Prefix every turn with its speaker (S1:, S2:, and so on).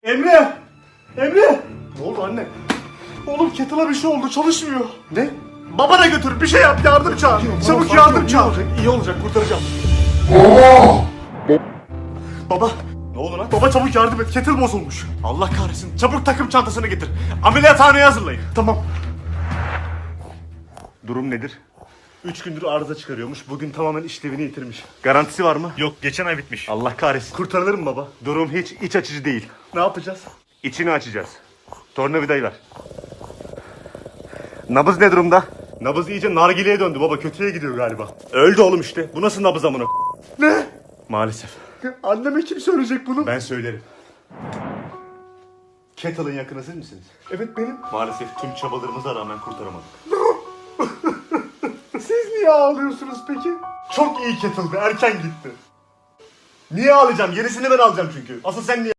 S1: Emre! Emre! Ne oldu anne? Oğlum kettle'a bir şey oldu, çalışmıyor. Ne? Babana götür, bir şey yap, yardım çağır. Çabuk yardım çağır. İyi olacak, kurtaracağım. Baba! Ne oldu lan? Baba çabuk yardım et, kettle bozulmuş. Allah kahretsin, çabuk takım çantasını getir. Ameliyathaneye hazırlayın. Tamam. Durum nedir? 3 gündür arıza çıkarıyormuş. Bugün tamamen işlevini yitirmiş. Garantisi var mı?
S2: Yok, geçen ay bitmiş.
S1: Allah kahretsin. Kurtarılır mı baba? Durum hiç iç açıcı değil. Ne yapacağız? İçini açacağız. Tornavidayı ver. Nabız ne durumda? Nabız iyice nargileye döndü baba. Kötüye gidiyor galiba. Öldü oğlum işte. Bu nasıl nabız amına? Ne? Maalesef. Anneme kim söyleyecek bunu? Ben söylerim. Kettle'ın yakını siz misiniz? Evet benim. Maalesef tüm çabalarımıza rağmen kurtaramadık. Siz niye ağlıyorsunuz peki? Çok iyi kettle'dı. Erken gitti. Niye ağlayacağım? Yenisini ben alacağım çünkü. Asıl sen niye